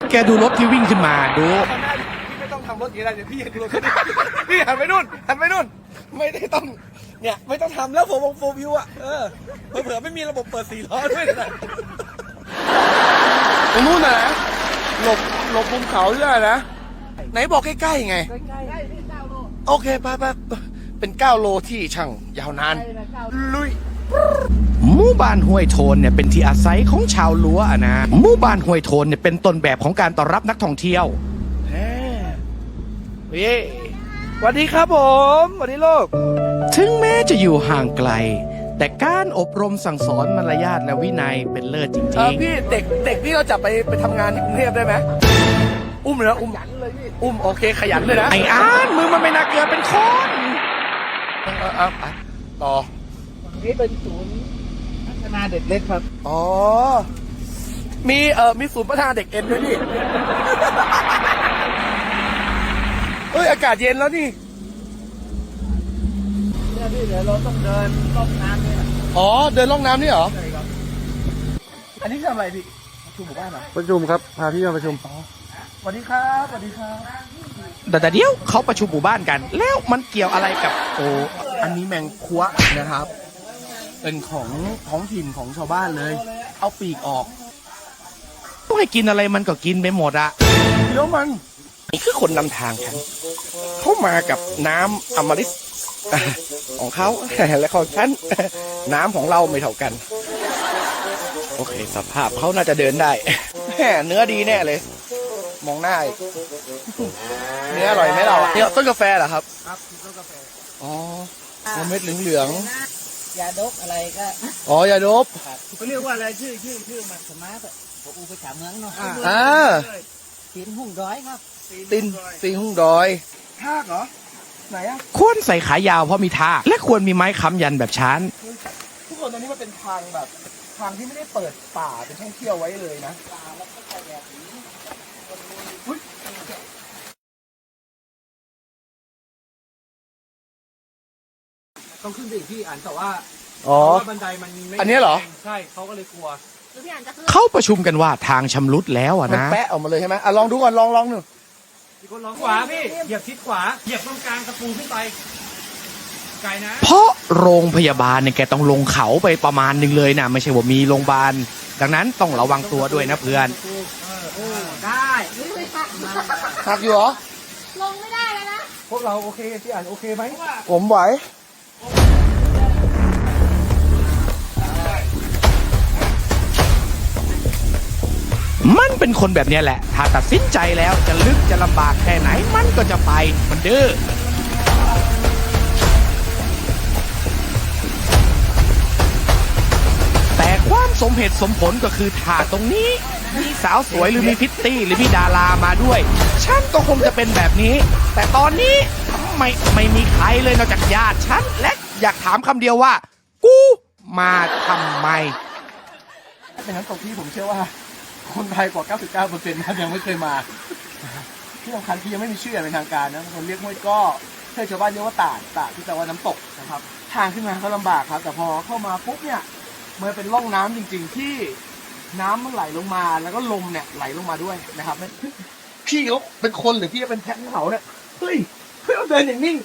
แกดูรถที่วิ่งขึ้นมาดูพี่ไม่ต้องทำรถอย่างไรเดี๋ยวพี่ดูรถพี่หันไปนู่นไม่ได้ต้องเนี่ยไม่ต้องทำแล้วโฟวิวอ่ะเผื่อไม่มีระบบเปิด4 ล้อด้วยนะตรงนู้นนะหลบมุมเขาด้วยนะไหนบอกใกล้ๆไงโอเคไปเป็น9 โลที่ช่างยาวนานลุยหมู่บ้านห้วยโทนเนี่ยเป็นที่อาศัยของชาวลัวนะหมู่บ้านห้วยโทนเนี่ยเป็นต้นแบบของการต้อนรับนักท่องเที่ยวเฮ้ยสวัสดีครับผมสวัสดีลูกถึงแม้จะอยู่ห่างไกลแต่การอบรมสั่งสอนมารยาทและวินัยเป็นเลิศจริงๆพี่เด็กพี่เราจับไปทำงานที่กรุงเทพได้ไหมอุ้มเลยนะอุ้มโอเคขยันเลยนะไอ้อ้านมือมันไม่น่าเกลือเป็นคนต่อนี่เป็นศูนย์พัฒนาเด็กเล็กครับอ๋อมีศูนย์พัฒนาเด็กเอ็นด้วยนี่อากาศเย็นแล้วนี่เนี่ยพี่เดี๋ยวเราต้องเดินล่องน้ำเนี่ยอ๋อเดินล่องน้ำนี่เหรอใช่ครับอันนี้ทำอะไรพี่ประชุมหมู่บ้านเหรอประชุมครับพาพี่มาประชุมสวัสดีครับสวัสดีครับแต่เดี๋ยวเขาประชุมหมู่บ้านกันแล้วมันเกี่ยวอะไรกับอันนี้แมงคัวนะครับเป็นของท้องถิ่นของชาวบ้านเลยเอาปีกออกต้องให้กินอะไรมันก็กินไปหมดอะเดี๋ยวมันนี่คือคนนำทางฉันเข้ามากับน้ำอมฤตของเขาและของฉันน้ำของเราไม่เท่ากันโอเคสภาพเขาน่าจะเดินได้เนื้อดีแน่เลยมองหน้าเนื้ออร่อยไหมเราเนี่ยต้นกาแฟเหรอครับครับต้นกาแฟอ๋อเม็ดเหลืองยาดกอะไรก็อ๋อยาดบเขาเรียกว่าอะไรชื่อมันสมาร์ทผมอุปถัมภ์เมืองเนาะตีนหุ่งดอยครับตีนหุ่งดอยทากเหรอไหนอะควรใส่ขายาวเพราะมีทากและควรมีไม้ค้ำยันแบบชั้นทุกคนตอนนี้มันเป็นทางแบบทางที่ไม่ได้เปิดป่าเป็นท่องเที่ยวไว้เลยนะต้องขึ้นไปอีกที่อ่านแต่ว่าบันไดมันไม่อันนี้เหรอใช่เขาก็เลยกลัวเขาประชุมกันว่าทางชำรุดแล้วอะนะแปะออกมาเลยใช่ไหมลองดูก่อนลองหนึ่งมีคนลองขวาพี่เหยียบทิศขวาเหยียบตรงกลางตะปูขึ้นไปไกลนะเพราะโรงพยาบาลเนี่ยแกต้องลงเขาไปประมาณนึงเลยนะไม่ใช่ว่ามีโรงพยาบาลดังนั้นต้องระวังตัวด้วยนะเพื่อนได้หักอยู่เหรอลงไม่ได้แล้วนะพวกเราโอเคพี่อ่านโอเคไหมผมไหวมันเป็นคนแบบนี้แหละถ้าตัดสินใจแล้วจะลึกจะลำบากแค่ไหนมันก็จะไปมันดื้อแต่ความสมเหตุสมผลก็คือถ้าตรงนี้มีสาวสวยหรือมีพิตตี้หรือมีดารามาด้วยฉันก็คงจะเป็นแบบนี้แต่ตอนนี้ไม่มีใครเลยนอกจากญาติฉันและอยากถามคำเดียวว่ากูมาทำไมเป็นนั้นตกที่ผมเชื่อว่าคนไทยกว่า 99%นะยังไม่เคยมาที่สำคัญที่ยังไม่มีชื่ออย่างเป็นทางการนะคนเรียกห้วยก้อเพื่อชาวบ้านเรียกว่าตาดที่แปลว่าน้ำตกนะครับทางขึ้นมาก็ลำบากครับแต่พอเข้ามาปุ๊บเนี่ยมันเป็นร่องน้ำจริงๆที่น้ำมันไหลลงมาแล้วก็ลมเนี่ยไหลลงมาด้วยนะครับพี่เขาเป็นคนหรือพี่เป็นแพะเขาเนี่ยเฮ้ยเราเดินอย่างนิ่ง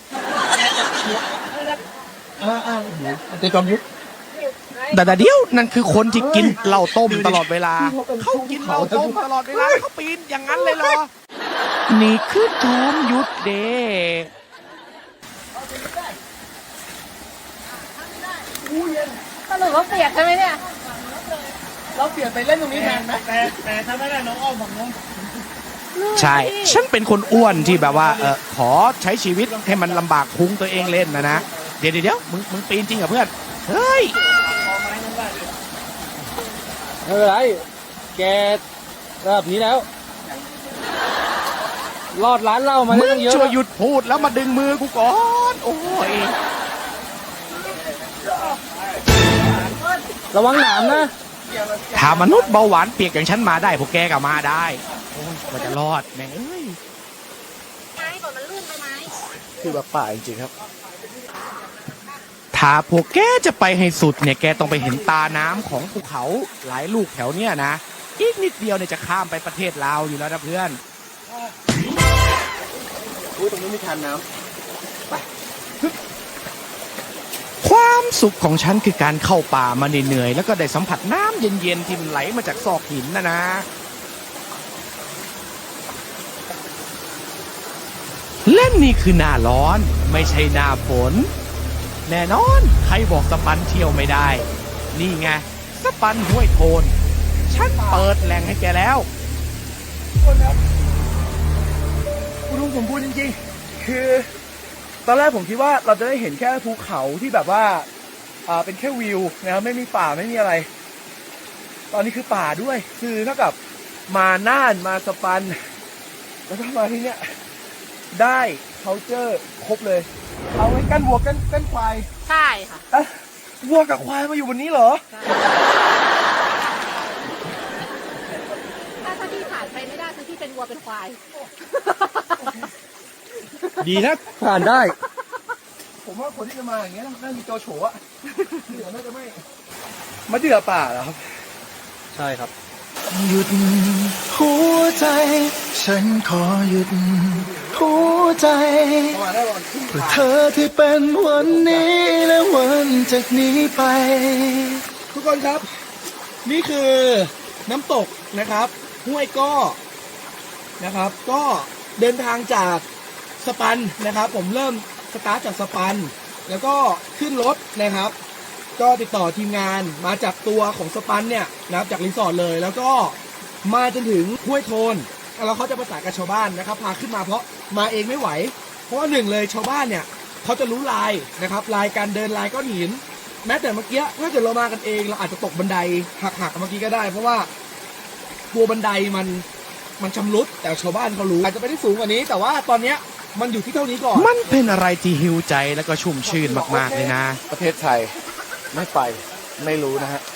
เดี๋ยวจอมยุทธแต่เดี๋ยวนั่นคือคนที่กินเหล้าต้มตลอดเวลาเขากินเหล้าต้มตลอดเวลาเขาปีนอย่างนั้นเลยเหรอนี่คือจอมยุทธเดสรุปว่าเปียกใช่ไหมเนี่ยเราเปลี่ยนไปเล่นตรงนี้แทนไหมแต่ถ้าไม่ได้น้องอ้อมฝั่งนู้นใช่ฉันเป็นคนอ้วนที่แบบว่าขอใช้ชีวิตให้มันลำบากพุงตัวเองเล่นนะเดี๋ยวมึงปีนจริงเหรอเพื่อนเฮ้ยไม่เป็นไรแกระดับนี้แล้วรอดร้านเหล้ามาได้ตั้งเยอะช่วยหยุดพูดแล้วมาดึงมือกูก่อนโอ้ยระวังหนามนะถ้ามนุษย์เบาหวานเปียกอย่างฉันมาได้พวกแกก็มาได้โอ้ยว่าจะรอดแม่งเอ้ยไม้ก่อนมันลื่นไปไหมคือแบบป่าจริงๆครับถ้าพวกแกจะไปให้สุดเนี่ยแกต้องไปเห็นตาน้ำของภูเขาหลายลูกแถวเนี้ยนะอีกนิดเดียวเนี่ยจะข้ามไปประเทศลาวอยู่แล้วนะเพื่อนอุ้ยตรงนี้มีทานน้ำความสุขของฉันคือการเข้าป่ามาเหนื่อยๆแล้วก็ได้สัมผัสน้ำเย็นๆที่มันไหลมาจากซอกหินนะ เล่นนี่คือหน้าร้อนไม่ใช่หน้าฝน แน่นอนใครบอกสปันเที่ยวไม่ได้ นี่ไงสปันห้วยโทน ฉันเปิดแหล่งให้แกแล้วทุกคนครับคุณลุงผมพูดจริงๆ คือ ตอนแรกผมคิดว่าเราจะได้เห็นแค่ภูเขาที่แบบว่าเป็นแค่วิวนะครับไม่มีป่าไม่มีอะไร ตอนนี้คือป่าด้วย คือเท่ากับมาน่านมาสปัน แล้วก็มาที่เนี้ยได้ culture ครบเลย เอาไว้กันวัวกันควายใช่ค่ะอ่ะวัวกับควายมาอยู่บนนี้เหรอถ้าที่ผ่านไปไม่ได้คือที่เป็นวัวเป็นควายดีนะผ่านได้ ผมว่าคนที่จะมาอย่างเงี้ยน่ามีโจโฉอะเหลือน่าจะไม่มะเดื่อป่าเหรอครับใช่ครับหยุดหัวใจ ฉันขอหยุดหัวใจประมาณได้วันครึ่งเพื่อทางเธอที่เป็นวันนี้และวันจากนี้ไปทุกคนครับ นี่คือน้ำตกนะครับห้วยก้อนะครับ ก็เดินทางจากสปันนะครับ ผมเริ่มสตาร์ทจากสปัน แล้วก็ขึ้นรถนะครับ ก็ติดต่อทีมงานมาจากตัวของสปันเนี่ยนะครับจากรีสอร์ทเลย แล้วก็มาจนถึงห้วยโทนแล้วเขาจะประสานกับชาวบ้านนะครับ พาขึ้นมาเพราะมาเองไม่ไหว เพราะว่าหนึ่งเลยชาวบ้านเนี่ยเขาจะรู้ลายนะครับลายการเดินลายก้อนหิน แม้แต่เมื่อกี้ถ้าเกิดเรามากันเองเราอาจจะตกบันไดหักๆเมื่อกี้ก็ได้ เพราะว่าตัวบันไดมันชำรุดแต่ชาวบ้านเขารู้อาจจะไปได้สูงกว่านี้ แต่ว่าตอนเนี้ยมันอยู่ที่เท่านี้ก่อนมันเป็นอะไรที่หิวใจแล้วก็ชุ่มชื่นมากๆเลยนะประเทศไทยไม่ไปไม่รู้นะฮะ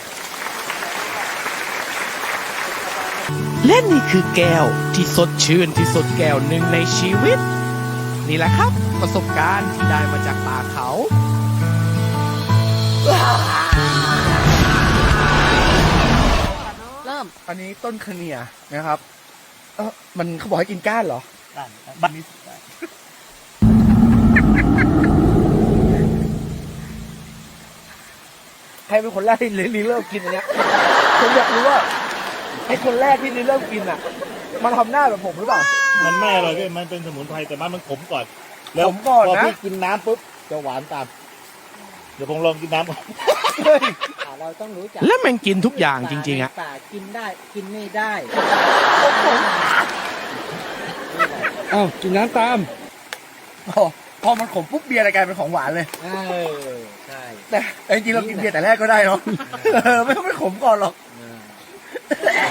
และนี่คือแก้วที่สดชื่นที่สุดแก้วหนึ่งในชีวิต นี่แหละครับ ประสบการณ์ที่ได้มาจากป่าเขาเริ่มอันนี้ต้นคเนียนะครับมันเขาบอกให้กินก้านเหรอบัตรใครเป็นคนแรกที่รีเริ่มกินอันเนี้ยผมอยากรู้ว่าไอ้คนแรกที่รีเริ่มกินอ่ะ มันทำหน้าแบบผมหรือเปล่ามันไม่อร่อยพี่มันเป็นสมุนไพรแต่มันขมก่อน แล้วขมก่อนนะพอพี่กินน้ำปุ๊บจะหวานตาม เดี๋ยวผมลองกินน้ำก่อนเราต้องรู้จักและแม่งกินทุกอย่างจริงๆอะป่ากินได้กินไม่ได้เอ้ากินน้ำตามพอมันขมปุ๊บเบียร์อะไรกลายเป็นของหวานเลยใช่แต่จริงๆเรากินเบียร์แต่แรกก็ได้เนาะไม่ต้องไปขมก่อนหรอก